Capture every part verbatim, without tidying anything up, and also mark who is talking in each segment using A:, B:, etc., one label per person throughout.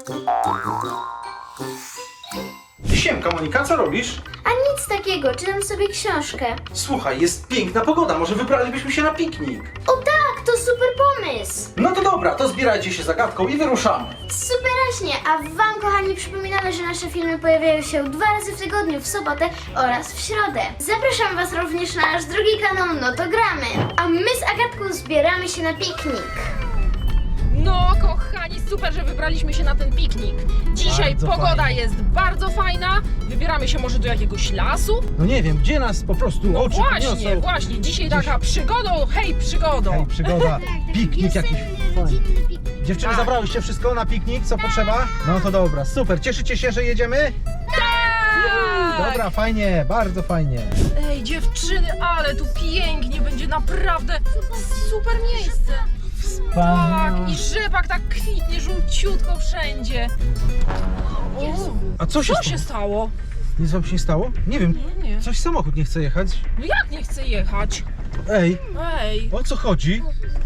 A: Siemka Monika, co robisz?
B: A nic takiego, czytam sobie książkę.
A: Słuchaj, jest piękna pogoda, może wybralibyśmy się na piknik.
B: O tak, to super pomysł!
A: No to dobra, to zbierajcie się zagadką i wyruszamy.
B: Superaśnie, a wam kochani przypominamy, że nasze filmy pojawiają się dwa razy w tygodniu, w sobotę oraz w środę. Zapraszam was również na nasz drugi kanał No to gramy, a my z Agatką zbieramy się na piknik.
C: No, kochani, super, że wybraliśmy się na ten piknik. Dzisiaj
A: Bardzo
C: pogoda
A: fajnie.
C: jest bardzo fajna. Wybieramy się może do jakiegoś lasu.
A: No nie wiem, gdzie nas po prostu
C: No
A: oczy
C: właśnie,
A: podniosą.
C: właśnie. Dzisiaj taka przygodą, hej, przygodą.
A: Hej, przygoda, piknik jakiś fajny. Dziewczyny,
C: Tak.
A: zabrałyście wszystko na piknik, co potrzeba? No to dobra, super. Cieszycie się, że jedziemy?
C: Tak!
A: Dobra, fajnie, bardzo fajnie.
C: Ej, dziewczyny, ale tu pięknie, będzie naprawdę super miejsce. Tak, i rzepak tak kwitnie żółciutko wszędzie. O,
A: A co się
C: co
A: stało?
C: się stało?
A: Nic wam się nie stało? Nie wiem,
C: Nie, nie.
A: coś samochód nie chce jechać.
C: No jak nie chcę jechać?
A: Ej,
C: Ej,
A: o co chodzi?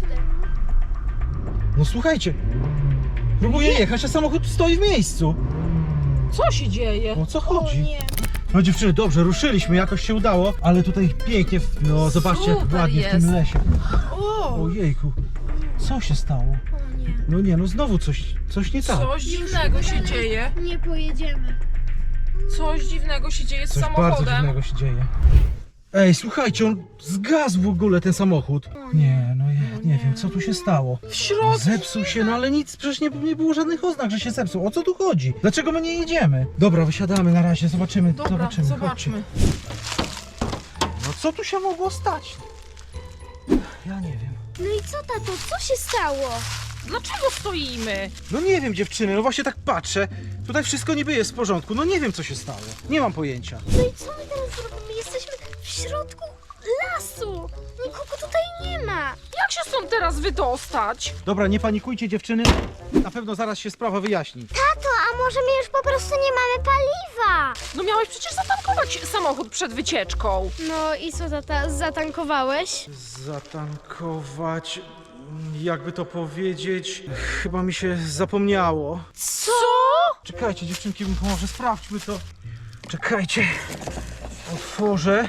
A: No słuchajcie, próbuję jechać, a samochód stoi w miejscu.
C: co się dzieje?
A: O co chodzi? No dziewczyny, dobrze, ruszyliśmy, jakoś się udało, ale tutaj pięknie, no zobaczcie jak
C: Super
A: ładnie w
C: jest.
A: tym lesie.
C: O,
A: Ojejku, co się stało? No nie, no znowu coś, coś nie tak.
C: coś dziwnego się dzieje.
B: Nie pojedziemy.
C: Coś dziwnego się dzieje z
A: Coś bardzo
C: samochodem.
A: dziwnego się dzieje. Ej, słuchajcie, on zgasł w ogóle ten samochód. Nie, no ja nie wiem, co tu się stało.
C: W środku.
A: Zepsuł się, no ale nic, przecież nie, nie było żadnych oznak, że się zepsuł. O co tu chodzi? Dlaczego my nie jedziemy? Dobra, wysiadamy na razie, zobaczymy,
C: Dobra,
A: zobaczymy.
C: zobaczmy.
A: Chodźcie. No co tu się mogło stać? Ja nie wiem.
B: No i co tato, co się stało?
C: Dlaczego stoimy?
A: No nie wiem, dziewczyny, no właśnie tak patrzę. Tutaj wszystko niby jest w porządku, no nie wiem, co się stało. Nie mam pojęcia.
B: No i co my teraz zrobimy? Jesteśmy w środku lasu. Nikogo tutaj nie ma.
C: Jak się stąd teraz wydostać?
A: Dobra, nie panikujcie, dziewczyny. Na pewno zaraz się sprawa wyjaśni.
B: Tato, a może my już po prostu nie mamy paliwa?
C: No miałeś przecież zatankować samochód przed wycieczką.
B: No i co tata, zatankowałeś?
A: Zatankować... Jakby to powiedzieć... Chyba mi się zapomniało.
C: Co?
A: Czekajcie, dziewczynki, może sprawdźmy to. Czekajcie. Otworzę.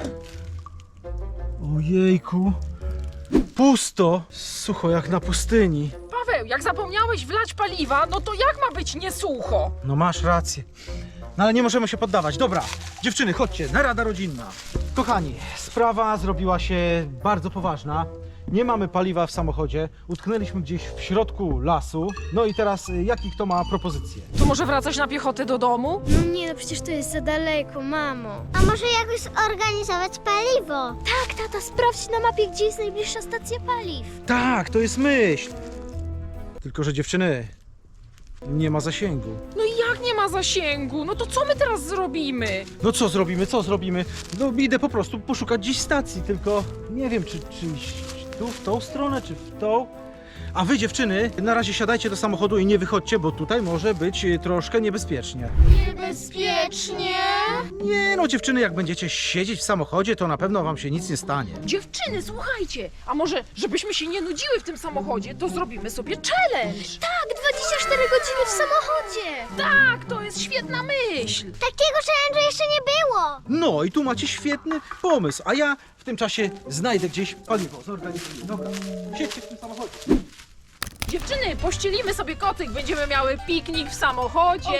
A: Ojejku. Pusto. Sucho jak na pustyni.
C: Paweł, jak zapomniałeś wlać paliwa, no to jak ma być niesucho?
A: No masz rację. No ale nie możemy się poddawać. Dobra, dziewczyny, chodźcie, narada rodzinna. Kochani, sprawa zrobiła się bardzo poważna. Nie mamy paliwa w samochodzie, utknęliśmy gdzieś w środku lasu. No i teraz, y, jaki kto ma propozycję?
C: To może wracać na piechotę do domu?
B: No nie, no przecież to jest za daleko, mamo. A może jakoś zorganizować paliwo? Tak, tata, sprawdź na mapie, gdzie jest najbliższa stacja paliw.
A: Tak, to jest myśl. Tylko że dziewczyny, nie ma zasięgu.
C: No i jak nie ma zasięgu? No to co my teraz zrobimy?
A: No co zrobimy, co zrobimy? No idę po prostu poszukać gdzieś stacji, tylko nie wiem, czy, czy iść tu, w tą stronę, czy w tą. A wy, dziewczyny, na razie siadajcie do samochodu i nie wychodźcie, bo tutaj może być y, troszkę niebezpiecznie.
B: Niebezpiecznie?
A: Nie no, dziewczyny, jak będziecie siedzieć w samochodzie, to na pewno wam się nic nie stanie.
C: Dziewczyny, słuchajcie, a może żebyśmy się nie nudziły w tym samochodzie, to zrobimy sobie challenge.
B: Tak, dwadzieścia cztery godziny w samochodzie.
C: Tak, to jest świetna myśl.
B: Takiego challenge'u jeszcze nie było.
A: No i tu macie świetny pomysł, a ja w tym czasie znajdę gdzieś paliwo, zorganizuję. Dobra, siedźcie w tym samochodzie.
C: Dziewczyny, pościelimy sobie kotyk, będziemy miały piknik w samochodzie.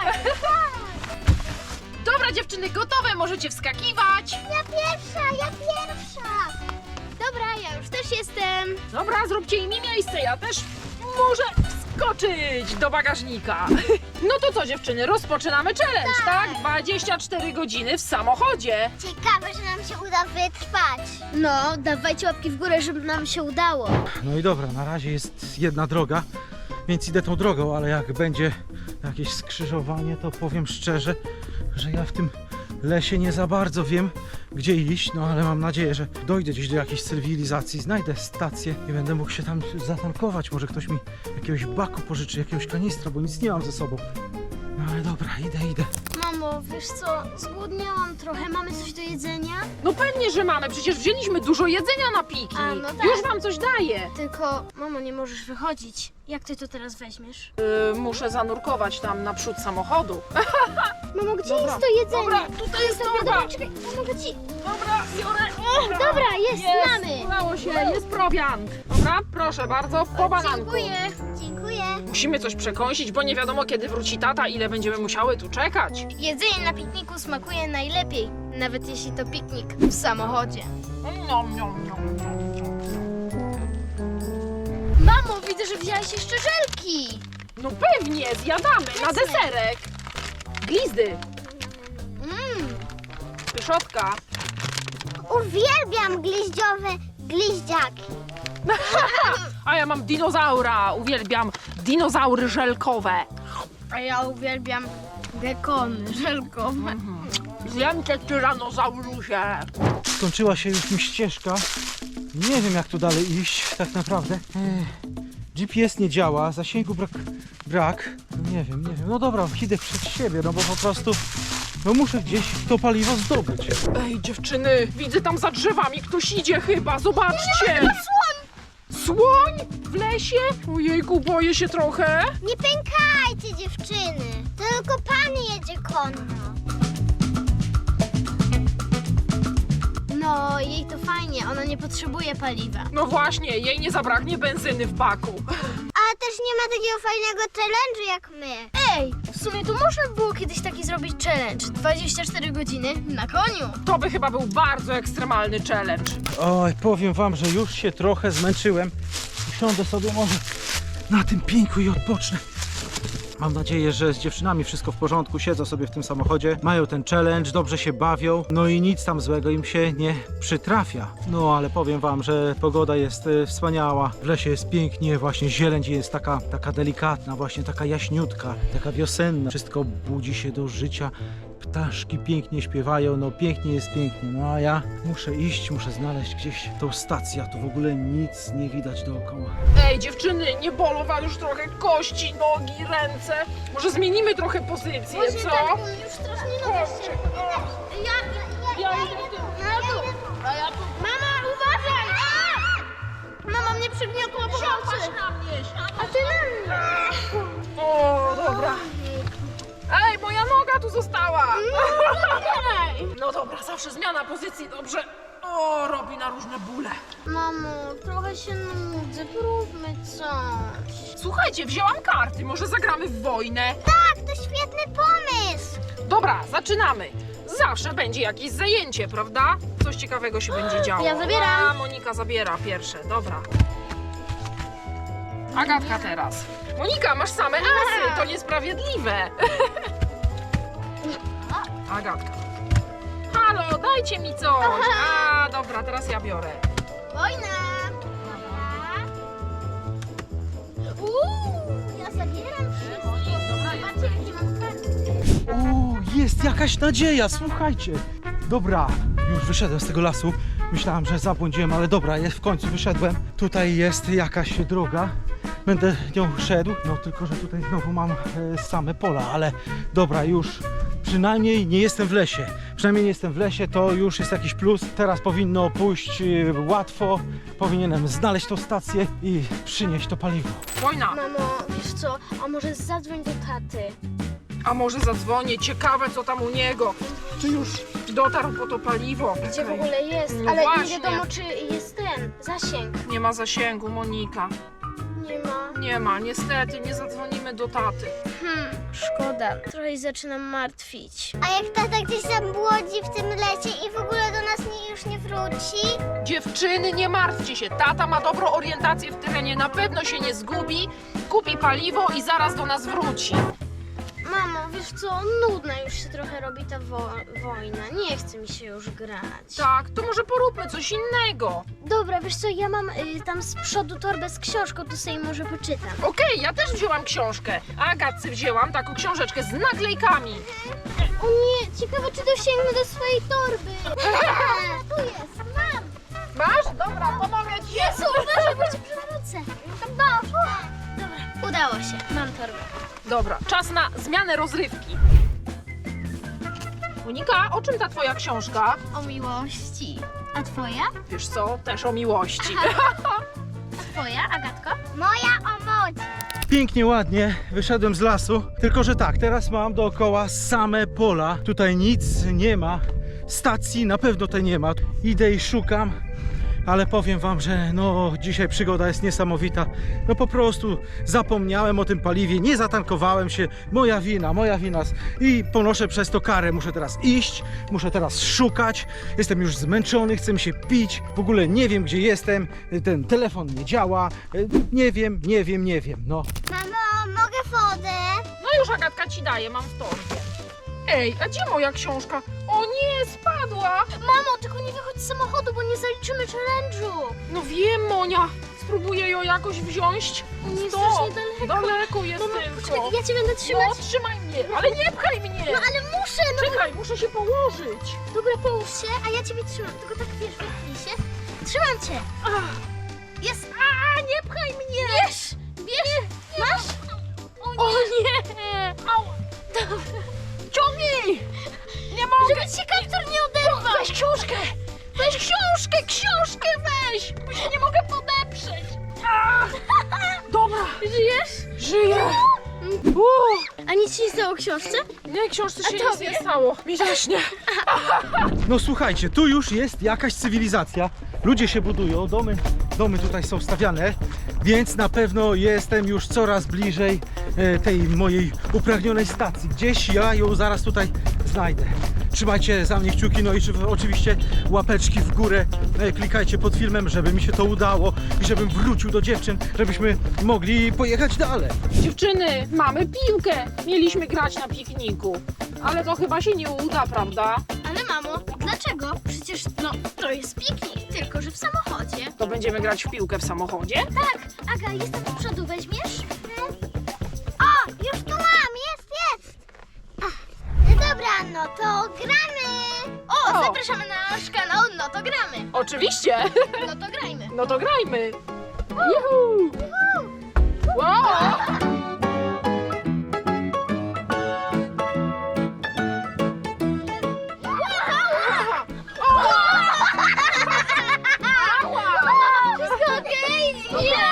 C: Dobra, dziewczyny, gotowe, możecie wskakiwać.
B: Ja pierwsza, ja pierwsza. Dobra, ja już też jestem.
C: Dobra, zróbcie im miejsce, ja też muszę wskoczyć do bagażnika. No to co, dziewczyny, rozpoczynamy challenge, tak? dwadzieścia cztery godziny w samochodzie.
B: Ciekawe, że nam się uda wytrwać. No, dawajcie łapki w górę, żeby nam się udało.
A: No i dobra, na razie jest jedna droga, więc idę tą drogą, ale jak będzie jakieś skrzyżowanie, to powiem szczerze, że ja w tym lesie nie za bardzo wiem, gdzie iść, no ale mam nadzieję, że dojdę gdzieś do jakiejś cywilizacji, znajdę stację i będę mógł się tam zatankować. Może ktoś mi jakiegoś baku pożyczy, jakiegoś kanistra, bo nic nie mam ze sobą. No ale dobra, idę, idę.
B: Mamo, wiesz co, zgłodniałam trochę. Mamy coś do jedzenia?
C: No pewnie, że mamy, przecież wzięliśmy dużo jedzenia na piknik.
B: A, no tak.
C: Już wam coś daję.
B: Tylko, mamo, nie możesz wychodzić. Jak ty to teraz weźmiesz?
C: Yy, muszę zanurkować tam naprzód samochodu.
B: Mamo, gdzie
C: Dobra,
B: jest to jedzenie?
C: dobra, tutaj jest
B: Dobra,
C: torba.
B: dobra, czekaj, pomogę ci.
C: Dobra, biorę. Dobra,
B: Dobra, jest,
C: jest,
B: mamy.
C: udało się, jest prowiant. Dobra, proszę bardzo, po bananku.
B: Dziękuję, dziękuję.
C: Musimy coś przekąsić, bo nie wiadomo kiedy wróci tata, ile będziemy musiały tu czekać.
B: Jedzenie na pikniku smakuje najlepiej, nawet jeśli to piknik w samochodzie.
C: Nom, nom, nom, nom.
B: Mamo, widzę, że wzięłaś jeszcze żelki.
C: No pewnie, zjadamy na deserek. Glizdy,
B: Mmm,
C: pyszotka.
B: uwielbiam gliździowe gliździaki.
C: A ja mam dinozaura, uwielbiam dinozaury żelkowe.
B: A ja uwielbiam gekony żelkowe.
C: Zjem cię, tyranozaurusie.
A: Skończyła się już mi ścieżka. Nie wiem jak tu dalej iść, tak naprawdę. Ech, G P S nie działa, zasięgu brak. brak. No nie wiem, nie wiem. No dobra, idę przed siebie, no bo po prostu no muszę gdzieś to paliwo zdobyć.
C: Ej, dziewczyny, widzę tam za drzewami ktoś idzie chyba, zobaczcie. Słoń! Słoń? W lesie? Ojejku, boję się trochę.
B: Nie pękajcie, dziewczyny. Tylko pan jedzie konno. No, jej to fajnie, ona nie potrzebuje paliwa.
C: No właśnie, jej nie zabraknie benzyny w baku.
B: Ale też nie ma takiego fajnego challenge'u jak my. Ej, w sumie to można było kiedyś taki zrobić challenge. dwadzieścia cztery godziny na koniu.
C: To by chyba był bardzo ekstremalny challenge.
A: Oj, powiem wam, że już się trochę zmęczyłem. Usiądę sobie może na tym pieńku i odpocznę. Mam nadzieję, że z dziewczynami wszystko w porządku, siedzą sobie w tym samochodzie, mają ten challenge, dobrze się bawią, no i nic tam złego im się nie przytrafia. No ale powiem wam, że pogoda jest e, wspaniała, w lesie jest pięknie, właśnie zieleń jest taka, taka delikatna, właśnie taka jaśniutka, taka wiosenna. Wszystko budzi się do życia, ptaszki pięknie śpiewają, no pięknie jest pięknie, no a ja muszę iść, muszę znaleźć gdzieś tą stację, a tu w ogóle nic nie widać dookoła.
C: Ej, dziewczyny, nie bolą wam już trochę kości, nogi, ręce? Może zmienimy trochę pozycję, co?
B: tak, już strasznie
C: Chodźcie.
B: Ja, ja,
C: Ja idę tu.
B: A ja tu. Mama, uważaj! Mama mnie przygniotła po nocy.
C: na mnie,
B: A ty na mnie.
C: O, dobra. Ej, moja noga tu została! No dobra, zawsze zmiana pozycji, dobrze. O, robi na różne bóle.
B: Mamo, trochę się nudzę, próbmy coś.
C: Słuchajcie, wzięłam karty, może zagramy w wojnę?
B: Tak, to świetny pomysł.
C: Dobra, zaczynamy. Zawsze będzie jakieś zajęcie, prawda? Coś ciekawego się będzie działo.
B: Ja zabieram.
C: A, Monika zabiera pierwsze, dobra. Agatka teraz. Monika, masz same asy, to niesprawiedliwe. Agatka. Halo, dajcie mi coś. A, dobra, teraz ja biorę.
B: Wojna. Uuu, ja zabieram wszystko. Zobaczcie, jakie mam karty.
A: O, jest jakaś nadzieja, słuchajcie. Dobra, już wyszedłem z tego lasu. Myślałem, że zabłądziłem, ale dobra, jest, w końcu wyszedłem. Tutaj jest jakaś droga. Będę nią szedł, no tylko, że tutaj znowu mam e, same pola, ale dobra, już przynajmniej nie jestem w lesie. Przynajmniej nie jestem w lesie, to już jest jakiś plus. Teraz powinno pójść e, łatwo. Powinienem znaleźć tą stację i przynieść to paliwo.
C: Wojna.
B: Mamo, wiesz co, a może zadzwoń do taty?
C: A może zadzwonię, ciekawe co tam u niego. Czy już dotarł po to paliwo?
B: Gdzie w
C: Okej.
B: ogóle jest?
C: No
B: Ale
C: właśnie.
B: nie wiadomo, czy jest ten zasięg.
C: Nie ma zasięgu, Monika.
B: Nie ma.
C: Nie ma, niestety, nie zadzwonimy do taty.
B: Hmm, szkoda. Trochę się zaczynam martwić.
D: A jak tata gdzieś tam błodzi w tym lesie i w ogóle do nas nie, już nie wróci?
C: Dziewczyny, nie martwcie się, tata ma dobrą orientację w terenie, na pewno się nie zgubi, kupi paliwo i zaraz do nas wróci.
B: Mamo, wiesz co, nudna już się trochę robi ta wo wojna. Nie chce mi się już grać.
C: Tak, to może poróbmy coś innego.
B: Dobra, wiesz co, ja mam y, tam z przodu torbę z książką, to sobie może poczytam.
C: Okej, ja też wzięłam książkę, a Agatce wzięłam taką książeczkę z naklejkami.
B: O nie, ciekawe czy dosięgnę do swojej torby.
D: Tu jest, mam!
C: Masz? Dobra, pomogę ci.
B: Jezu, uważaj, bo cię przewrócę. Dobra, udało się, mam torbę.
C: Dobra, czas na zmianę rozrywki. Monika, o czym ta twoja książka?
B: O miłości. A twoja?
C: Wiesz co, też o miłości.
B: A twoja, Agatko?
D: Moja o mocy.
A: Pięknie, ładnie, wyszedłem z lasu, tylko że tak, teraz mam dookoła same pola, tutaj nic nie ma, stacji na pewno tutaj nie ma, idę i szukam, ale powiem wam, że no dzisiaj przygoda jest niesamowita, no po prostu zapomniałem o tym paliwie, nie zatankowałem się, moja wina, moja wina i ponoszę przez to karę, muszę teraz iść, muszę teraz szukać, jestem już zmęczony, chcę mi się pić, w ogóle nie wiem gdzie jestem, ten telefon nie działa, nie wiem, nie wiem, nie wiem, no.
D: Mamo, mogę wodę?
C: No już Agatka ci daje, mam w torbie. Ej, a gdzie moja książka? O nie, spadła!
B: Mamo, tylko nie wychodź z samochodu, bo nie zaliczymy challenge'u.
C: No wiem, Monia, spróbuję ją jakoś wziąć.
B: On jest
C: Stop.
B: strasznie daleko.
C: Daleko jest
B: Mamo,
C: tylko.
B: poczekaj, ja cię będę trzymać.
C: No, trzymaj mnie, ale nie pchaj mnie!
B: No ale muszę, no.
C: Czekaj, muszę się położyć.
B: Dobra, połóż się, a ja ciebie trzymam. Tylko tak wiesz, wypnij się. Trzymam cię.
C: Ach,
B: Jest.
C: a, nie pchaj mnie!
B: Bierz, bierz. Masz?
C: O nie! Au. Ciągnij! Nie mogę!
B: Żeby ci kaptur nie oderwał.
C: Weź książkę! Weź książkę! Książkę weź! Bo się nie mogę podeprzeć! A! Dobra!
B: Żyjesz?
C: Żyję! Uuu,
B: A nic ci nie stało książce?
C: nie, książce się
B: A
C: nic
B: tobie?
C: nie stało. Mi zaśnie.
A: No słuchajcie, tu już jest jakaś cywilizacja. Ludzie się budują, domy, domy tutaj są stawiane, więc na pewno jestem już coraz bliżej e, tej mojej upragnionej stacji. Gdzieś ja ją zaraz tutaj znajdę. Trzymajcie za mnie kciuki, no i czy- oczywiście łapeczki w górę. E, klikajcie pod filmem, żeby mi się to udało i żebym wrócił do dziewczyn, żebyśmy mogli pojechać dalej.
C: Dziewczyny, mamy piłkę. Mieliśmy grać na pikniku. Ale to chyba się nie uda, prawda?
B: Ale mamo, dlaczego? Przecież no, to jest piknik, tylko że w samochodzie.
C: To będziemy grać w piłkę w samochodzie?
B: Tak, Aga, jestem do przodu, weźmiesz?
D: O, już tu mam, jest, jest. Ach, no dobra, no to gramy.
B: O,
C: O.
B: zapraszamy na nasz kanał, no to gramy.
C: Oczywiście.
B: No to grajmy.
C: No to grajmy. Juhu. Wow.
B: Wszystko okej? Nie!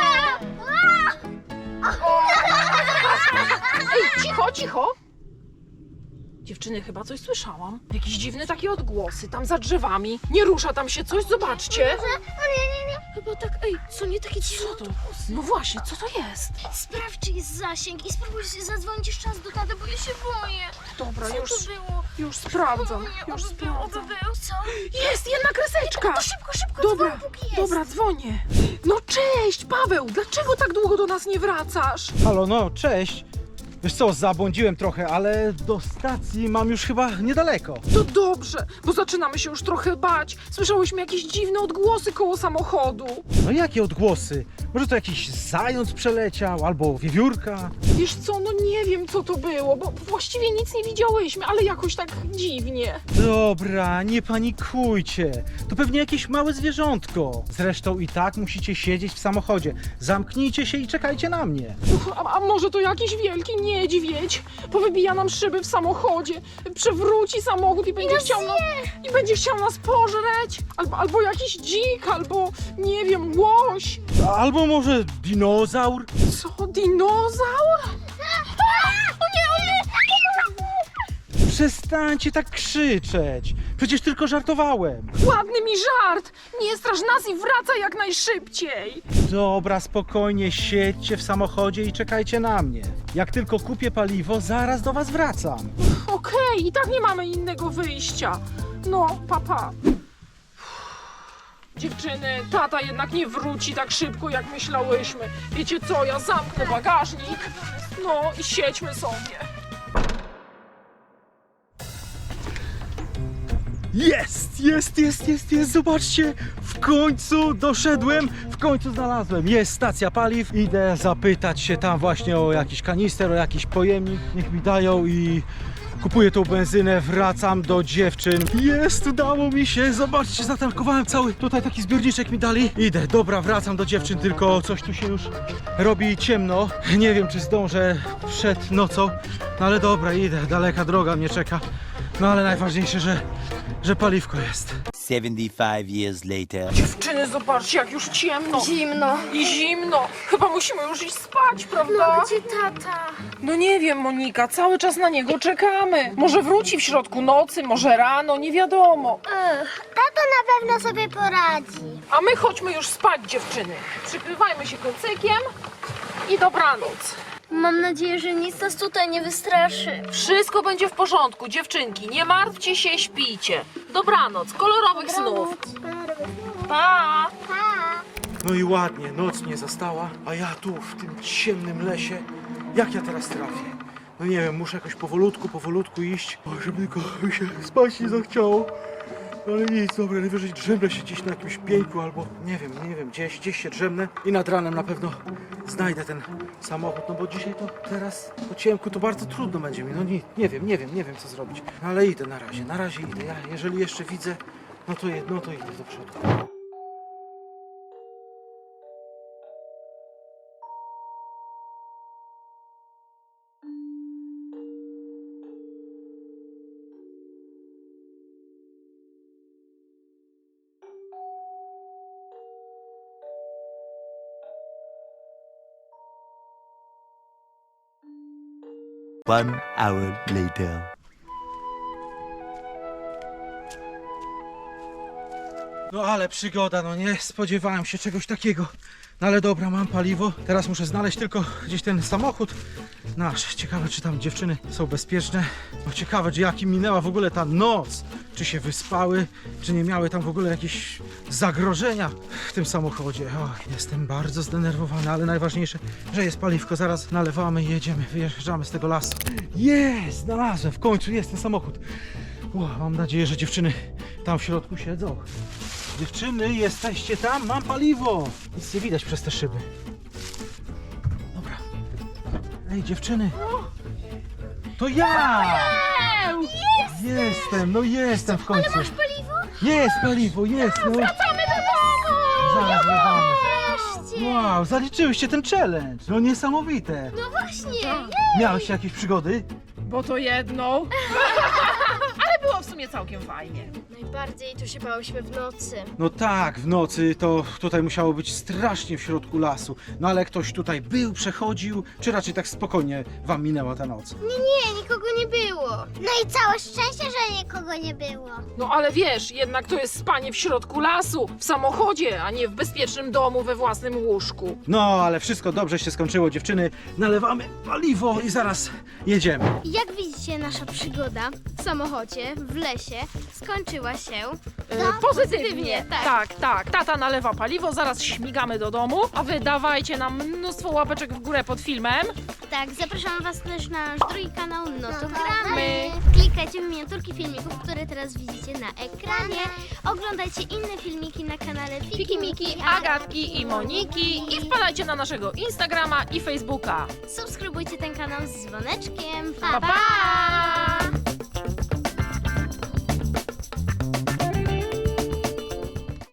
C: Ej, cicho, cicho! Dziewczyny, chyba coś słyszałam. Jakieś dziwne takie odgłosy, tam za drzewami. Nie rusza tam się coś, zobaczcie.
B: O nie, nie, nie. Chyba tak, ej, co nie takie dziwne
C: Co to?
B: autobusy?
C: No właśnie, co to jest?
B: Sprawdź, czy jest zasięg i spróbuj zadzwonić jeszcze raz do taty, bo ja się boję.
C: Dobra,
B: Co
C: już,
B: to było?
C: już sprawdzam.
B: O nie,
C: Już
B: oby był, oby
C: sprawdzam.
B: był, co?
C: Jest, jedna kreseczka!
B: To szybko, szybko,
C: Dobra,
B: dzwoń, póki jest.
C: dobra, dzwonię. No cześć, Paweł, dlaczego tak długo do nas nie wracasz?
A: Halo, no cześć. Wiesz co, zabłądziłem trochę, ale do stacji mam już chyba niedaleko.
C: To dobrze, bo zaczynamy się już trochę bać. Słyszałyśmy jakieś dziwne odgłosy koło samochodu.
A: No jakie odgłosy? Może to jakiś zając przeleciał, albo wiewiórka?
C: Wiesz co, no nie wiem co to było, bo właściwie nic nie widziałyśmy, ale jakoś tak dziwnie.
A: Dobra, nie panikujcie. To pewnie jakieś małe zwierzątko. Zresztą i tak musicie siedzieć w samochodzie. Zamknijcie się i czekajcie na mnie.
C: Uch, a, a może to jakiś wielki niedźwiedź? Powybija nam szyby w samochodzie, przewróci samochód i będzie, chciał, nas, i będzie chciał nas pożreć. Albo, albo jakiś dzik, albo nie wiem, łoś.
A: Albo może dinozaur?
C: Co, dinozaur?
B: O nie, o nie!
A: Przestańcie tak krzyczeć. Przecież tylko żartowałem.
C: Ładny mi żart! Nie straż nas i wracaj jak najszybciej!
A: Dobra, spokojnie, siedźcie w samochodzie i czekajcie na mnie. Jak tylko kupię paliwo, zaraz do was wracam.
C: Okej, i tak nie mamy innego wyjścia. No, papa. Dziewczyny, tata jednak nie wróci tak szybko, jak myślałyśmy. Wiecie co, ja zamknę bagażnik. No i siedźmy sobie.
A: Jest, jest, jest, jest, jest, zobaczcie, w końcu doszedłem, w końcu znalazłem, jest stacja paliw, idę zapytać się tam właśnie o jakiś kanister, o jakiś pojemnik, niech mi dają i kupuję tą benzynę, wracam do dziewczyn. Jest, udało mi się, zobaczcie, zatankowałem cały, tutaj taki zbiorniczek mi dali, idę, dobra, wracam do dziewczyn, tylko coś tu się już robi ciemno, nie wiem czy zdążę przed nocą, no ale dobra, idę, daleka droga mnie czeka, no ale najważniejsze, że że paliwko jest.
E: seventy-five years later.
C: Dziewczyny, zobaczcie, jak już ciemno.
B: Zimno.
C: I zimno. Chyba musimy już iść spać, prawda?
B: Gdzie tata?
C: No nie wiem, Monika, cały czas na niego czekamy. Może wróci w środku nocy, może rano, nie wiadomo.
D: Ech, tato na pewno sobie poradzi.
C: A my chodźmy już spać, dziewczyny. Przykrywajmy się kocykiem i dobranoc.
B: Mam nadzieję, że nic nas tutaj nie wystraszy.
C: Wszystko będzie w porządku, dziewczynki. Nie martwcie się, śpijcie. Dobranoc, kolorowych snów. Pa!
A: No i ładnie, noc mnie zastała, a ja tu w tym ciemnym lesie, jak ja teraz trafię? No nie wiem, muszę jakoś powolutku, powolutku iść, o, żeby tylko mi się spać nie zachciało. Ale nic, dobra, najwyżej drzemnę się gdzieś na jakimś pieńku albo nie wiem, nie wiem, gdzieś, gdzieś się drzemnę i nad ranem na pewno znajdę ten samochód, no bo dzisiaj to teraz po ciemku to bardzo trudno będzie mi, no nie, nie wiem, nie wiem, nie wiem co zrobić, no, ale idę na razie, na razie idę, ja jeżeli jeszcze widzę, no to, je- no to idę do przodu.
E: One hour later.
A: No ale przygoda, no nie spodziewałem się czegoś takiego. No ale dobra, mam paliwo. Teraz muszę znaleźć tylko gdzieś ten samochód nasz. Ciekawe, czy tam dziewczyny są bezpieczne. No ciekawe, czy jak im minęła w ogóle ta noc. Czy się wyspały, czy nie miały tam w ogóle jakieś zagrożenia w tym samochodzie. O, jestem bardzo zdenerwowany, ale najważniejsze, że jest paliwko. Zaraz nalewamy i jedziemy, wyjeżdżamy z tego lasu. Jest, znalazłem, w końcu jest ten samochód. O, mam nadzieję, że dziewczyny tam w środku siedzą. Dziewczyny, jesteście tam? Mam paliwo! Nic nie widać przez te szyby. Dobra. Ej, dziewczyny! To ja! Jestem, no jestem w końcu.
D: Masz paliwo?
A: Jest paliwo, jest, no.
D: Wracamy do domu!
A: Zaraz wracamy.
D: Wreszcie!
A: Wow, zaliczyłyście ten challenge. No niesamowite.
D: No właśnie!
A: Miałeś jakieś przygody?
C: Bo to jedną. Ale było w sumie całkiem fajnie.
B: Najbardziej to się bałyśmy w nocy.
A: No tak, w nocy to tutaj musiało być strasznie w środku lasu. No ale ktoś tutaj był, przechodził, czy raczej tak spokojnie wam minęła ta noc?
D: Nie, nie, nikogo nie było. No i całe szczęście, że nikogo nie było.
C: No ale wiesz, jednak to jest spanie w środku lasu, w samochodzie, a nie w bezpiecznym domu we własnym łóżku.
A: No, ale wszystko dobrze się skończyło, dziewczyny. Nalewamy paliwo i zaraz jedziemy.
B: Jak widzicie, nasza przygoda w samochodzie, w lesie skończyła się.
C: E,
B: No,
C: pozytywnie,
B: pozytywnie, tak.
C: tak, tak. Tata nalewa paliwo, zaraz śmigamy do domu, a wy dawajcie nam mnóstwo łapeczek w górę pod filmem.
B: Tak, zapraszam Was też na nasz drugi kanał, no to
D: to
B: gramy. Klikajcie w miniaturki filmików, które teraz widzicie na ekranie. Oglądajcie inne filmiki na kanale
C: Fiki Miki, Agatki i Moniki i wpadajcie na naszego Instagrama i Facebooka.
B: Subskrybujcie ten kanał z dzwoneczkiem.
C: Pa, pa!